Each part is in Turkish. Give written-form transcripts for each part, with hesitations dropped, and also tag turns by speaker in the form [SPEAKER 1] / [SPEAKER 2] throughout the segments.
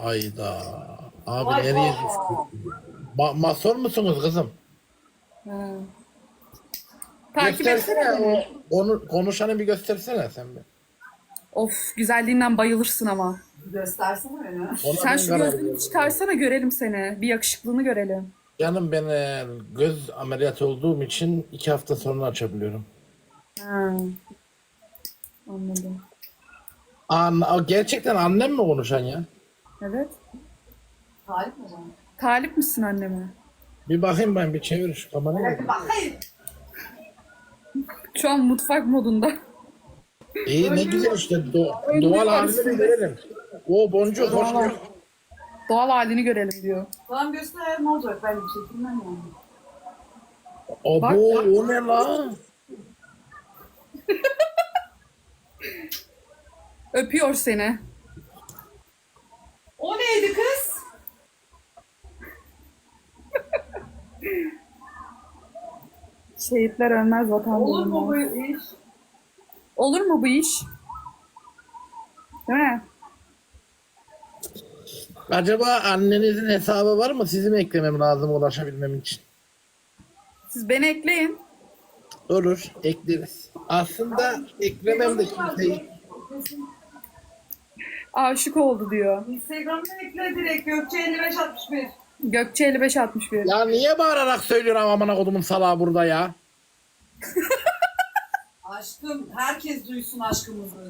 [SPEAKER 1] Ayda. Abi
[SPEAKER 2] Vay
[SPEAKER 1] nereye
[SPEAKER 2] vay.
[SPEAKER 1] düştün? Masör musunuz kızım?
[SPEAKER 3] Ha. Takip etsene
[SPEAKER 1] Göstersene
[SPEAKER 3] beni.
[SPEAKER 1] konuşanı bir göstersene sen bir.
[SPEAKER 3] Of, güzelliğinden bayılırsın ama.
[SPEAKER 2] Göstersene beni.
[SPEAKER 1] Ona
[SPEAKER 3] Sen
[SPEAKER 1] ben
[SPEAKER 3] şu
[SPEAKER 1] karar
[SPEAKER 3] gözlüğünü
[SPEAKER 1] veriyorum.
[SPEAKER 3] çıkarsana, görelim seni. Bir yakışıklığını görelim.
[SPEAKER 1] Canım ben göz ameliyatı olduğum için 2 hafta sonra açabiliyorum.
[SPEAKER 3] Ha. Anladım.
[SPEAKER 1] Gerçekten annem mi konuşan ya?
[SPEAKER 3] Evet.
[SPEAKER 2] Talip mi canım?
[SPEAKER 3] Talip misin anneme?
[SPEAKER 1] Bir bakayım ben bir çevir şu kamerayı.
[SPEAKER 2] Evet, bakayım.
[SPEAKER 3] Şu an mutfak modunda.
[SPEAKER 1] İyi ne güzel işte doğal halini bir görelim. O boncuk hoş
[SPEAKER 3] Doğal,
[SPEAKER 1] geldin.
[SPEAKER 3] doğal halini görelim diyor.
[SPEAKER 2] Tamam göster, ne olacak? Ben bir şey bilmem yani.
[SPEAKER 1] Abo o ne la?
[SPEAKER 3] Öpüyor seni.
[SPEAKER 2] O neydi kız?
[SPEAKER 3] Şehitler ölmez, vatan
[SPEAKER 2] Olur mu
[SPEAKER 3] bulunmaz.
[SPEAKER 2] bu iş?
[SPEAKER 3] Olur mu bu iş? Değil mi?
[SPEAKER 1] Acaba annenizin hesabı var mı? Sizi mi eklemem lazım ulaşabilmem için?
[SPEAKER 3] Siz beni ekleyin.
[SPEAKER 1] Olur, ekleriz. Aslında eklemem de kimseyi.
[SPEAKER 3] Aşık oldu diyor.
[SPEAKER 2] Instagram'dan ekle direkt Gökçe 5561.
[SPEAKER 3] Gökçe 5561.
[SPEAKER 1] Ya niye bağırarak söylüyorsun amına kodumun salağı burada ya?
[SPEAKER 2] Aşkım, herkes duysun aşkımızı.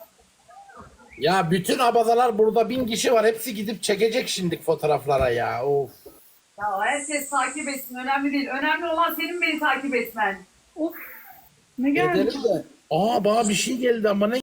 [SPEAKER 1] Ya bütün abazalar burada 1000 kişi var. Hepsi gidip çekecek şimdi fotoğraflara ya. Of.
[SPEAKER 2] Ya herkes takip etsin, önemli değil. Önemli olan senin beni takip etmen.
[SPEAKER 3] Of. Ne geldi?
[SPEAKER 1] Edelim de. Aa bana bir şey geldi ama ne